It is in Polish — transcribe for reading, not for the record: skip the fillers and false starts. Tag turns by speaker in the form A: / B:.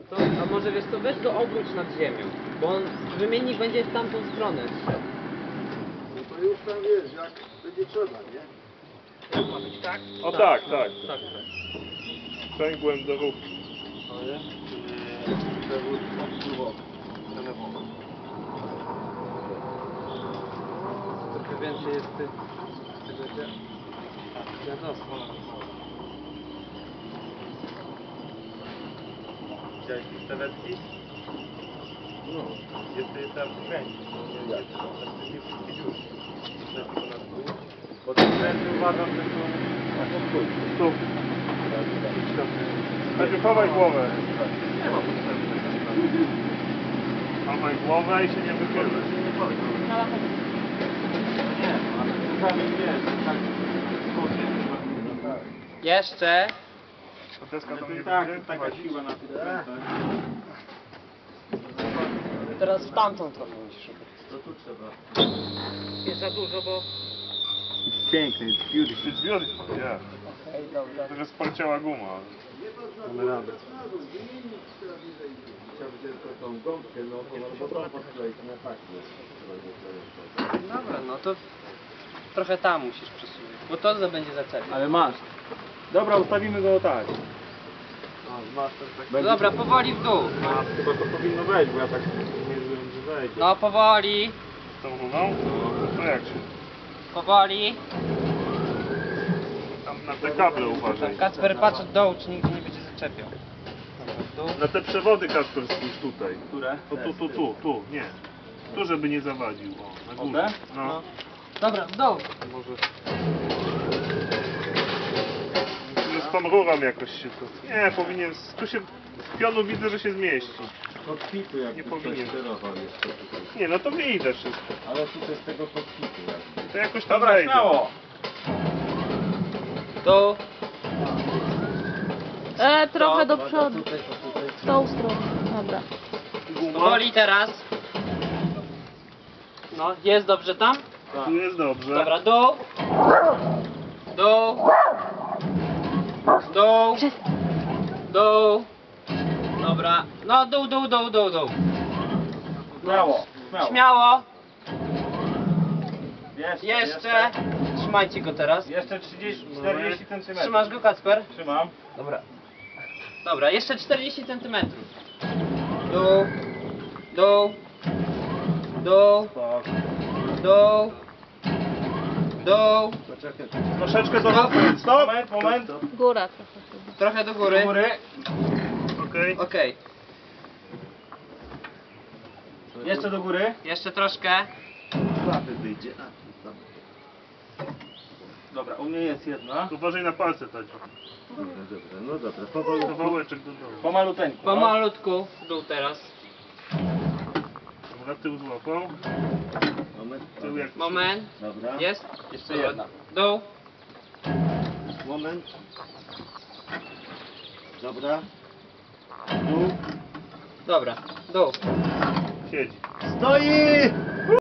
A: To, a może wiesz co, weź go obróć nad ziemią, bo on, wymiennik będzie w tamtą stronę szedł.
B: No to już tam wiesz, jak będzie trzeba, nie?
A: Jak ma być, tak?
C: O tak, tak.
A: Tak.
C: Sprzęgłem do ruchu.
B: To jest przewód odpływowy, przelewowy.
A: Trochę więcej jest tych... tego dziadostwa.
C: Widziałeś te stawetki?
B: No.
C: Jest tam kręcić. Nie wszystkie dziury. Bo te kręty uważam, że są... Tu. Będzie chowaj głowę.
B: Nie ma potrzeby.
C: Chowaj głowę i się nie wychylaj.
B: Nie chodzi. No nie, ale czasami wiesz, tak
A: Jeszcze.
C: To deska tam nie
B: tak,
C: będzie?
B: taka siła na tych krętach.
A: Teraz w tamtą trochę musisz robić.
B: To tu trzeba.
A: Jest za dużo, bo...
B: It's piękny, it's beautiful.
C: It's beautiful, yeah.
A: Okej, dobra.
C: To, że sparciała guma.
B: Mamy radę. Chciałbym tylko tą gąbkę, no bo to podkleić na tak.
A: Dobra, no to... Trochę tam musisz przesunąć, bo to będzie zaczepiać.
B: Ale masz. Dobra, ustawimy go tak. Masz tak.
A: Dobra, powoli w dół.
B: Chyba to powinno wejść, bo ja tak nie wiem, że wejdzie.
A: No, powoli,
C: Z tą runą? To jak się?
A: powoli.
C: Tam na te kable uważaj.
A: Kacper, patrz od dołu, czy nigdy nie będzie zaczepiał. Dobra, w dół.
C: Na te przewody, Kasper, spójrz tutaj.
B: Które?
C: To tu, nie. Tu, żeby nie zawadził. O, na górze.
A: No.
C: No.
A: Dobra, w dół.
C: Może... Z tą rurą jakoś się to... Nie, powinien... Tu się... Z pionu widzę, że się zmieści.
B: Kokpitu jakby
C: Nie
B: ktoś
C: powinien.
B: sterował jeszcze tutaj.
C: Nie, no to wyjdę wszystko.
B: Ale tutaj z tego kokpitu jakby.
C: To jakoś tam wejdę.
A: Dół.
D: Trochę do
B: To
D: przodu.
B: tutaj, to tutaj.
D: W tą stronę. Dobra.
C: Guma.
A: Powoli teraz. No, jest dobrze tam?
C: Tu jest dobrze.
A: Dobra, dół. Dół. Dół. Dół. Dobra. No, dół.
B: Śmiało.
A: Śmiało. Jeszcze. Trzymajcie go teraz.
B: Jeszcze 40 cm.
A: Trzymasz go, Kacper?
B: Trzymam.
A: Dobra. Dobra, jeszcze 40 cm. Dół. Dół. Dół.
B: Tak.
A: Dół. Dół.
B: Poczekaj.
C: Troszeczkę do góry. Stop!
B: Moment.
D: Góra trochę.
A: Trochę do góry.
C: Okej.
A: Okej.
B: Jeszcze do góry.
A: Jeszcze troszkę.
B: Klapy wyjdzie. Dobra, u mnie jest jedna.
C: Uważaj na palce, Tadziu.
B: Dobra, no dobra. Powoli.
C: Kawałeczek do dołu.
B: Pomaluteńku.
A: Pomalutku w dół teraz.
C: Dobra, tył złapał.
B: Moment.
C: Tył jak...
A: Moment.
B: Dobra.
A: Jest?
B: Jeszcze
A: Dobra.
B: jedna.
A: Dół.
B: Moment. Dobra. Dół.
A: Dobra. Dół.
C: Siedzi.
B: Stoi!